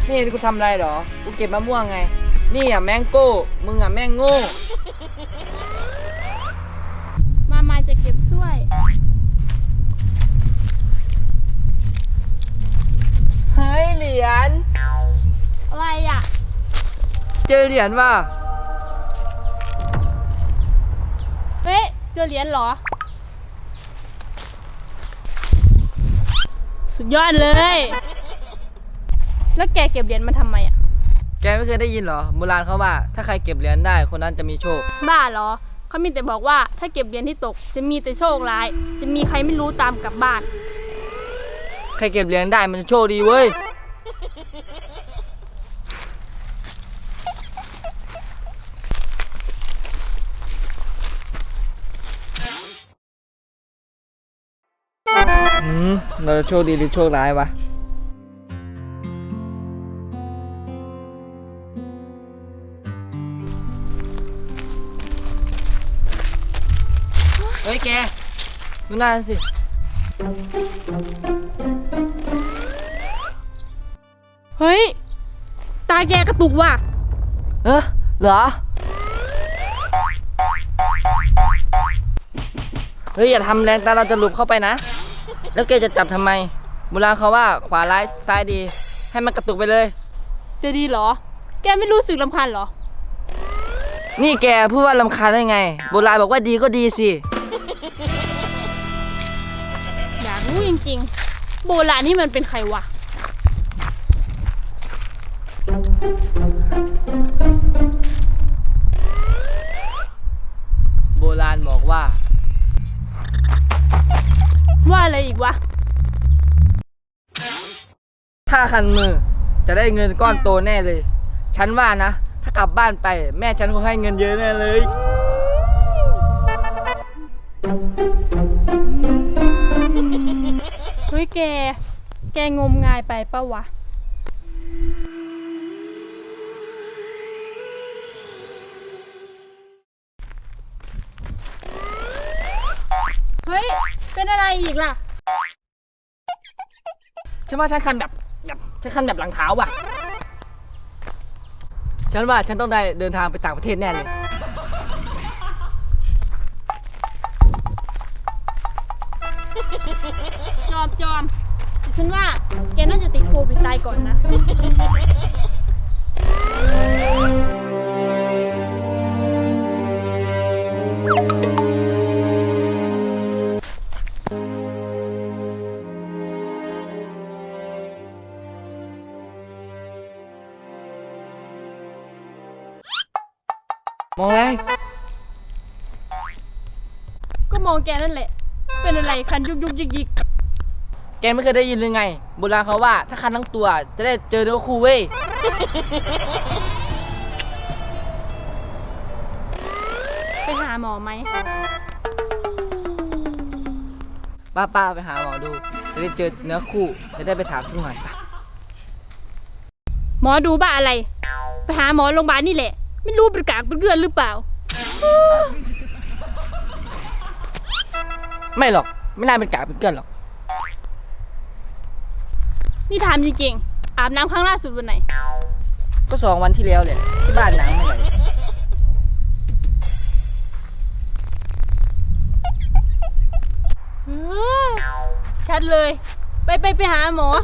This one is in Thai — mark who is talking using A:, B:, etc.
A: ไม่เห็นกูทำอะไรหรอกูเก็บมะม่วงไงนี่อ่ะแมงโก้มึงอ่ะแมงโง่
B: มาจะเก็บช่วย
A: เฮ้ยเหรียญ
B: อะไรอ่ะ
A: เจอเหรียญว่ะ
B: เฮ้ยเจอเหรียญเหรอสุดยอดเลยแล้วแกเก็บเหรียญมาทำไมอ่ะ
A: แกไม่เคยได้ยินเหรอโบราณเขาว่าถ้าใครเก็บเหรียญได้คนนั้นจะมีโชค
B: บ้าเหรอเขามีแต่บอกว่าถ้าเก็บเหรียญที่ตกจะมีแต่โชคร้ายจะมีใครไม่รู้ตามกลับบ้าน
A: ใครเก็บเหรียญได้มันจะโชคดีเว้ยเราจะโชคดีหรือโชคร้ายวะเฮ้ยแกดูหน้าสิ
B: เฮ้ยตาแกกระตุกว่ะ
A: เหรอเฮ้ยอย่าทำแรงตาเราจะหลุดเข้าไปนะแล้วแกจะจับทำไมโบราณเขาว่าขวาร้ายซ้ายดีให้มันกระตุกไปเลย
B: จะดีเหรอแกไม่รู้สึกรำคาญเหรอ
A: นี่แกพูดว่ารำคาญได้ไงโบราณบอกว่าดีก็ดีสิ
B: อยากรู้จริงๆโบราณนี่มันเป็นใครวะ
A: โบราณบอกว่า
B: อะไรอีกวะ
A: ถ้าคันมือจะได้เงินก้อนโตแน่เลยฉันว่านะถ้ากลับบ้านไปแม่ฉันคงให้เงินเยอะแน่เลย
B: เฮ้ยแกงมงายไปปะวะเฮ้ยเป็นอะไรอีกล่ะ
A: ฉันว่าฉันคันแบบฉันคันแบบหลังเท้าว่ะฉันว่าฉันต้องได้เดินทางไปต่างประเทศแน่เลย
B: จอมแต่ฉันว่าแกน่าจะติดโควิดตายก่อนนะ
A: มองอะไร
B: ก็มองแกนั่นแหละเป็นอะไรคันยุกยิก
A: แกไม่เคยได้ยินหรือไงโบราณเขาว่าถ้าคันทั้งตัวจะได้เจอเนื้อคู่เว้ย
B: ไปหาหมอไหม
A: ป้าไปหาหมอดูจะได้เจอเนื้อคู่จะได้ไปถามสักหน่อยป่ะ
B: หมอดูบ้าอะไรไปหาหมอโรงพยาบาลนี่แหละไม่รู้เป็นกากเป็นเกลือนหรือเปล่า
A: ไม่หรอกไม่น่าเป็นกากเป็นเกลื่อนหรอก
B: นี่ถามจริงๆอาบน้ำครั้งล่าสุดวันไหน
A: ก็2 วันที่แล้วเลยที่บ้านน้ำไม่ไหล
B: ชัดเลยไปหาหมอ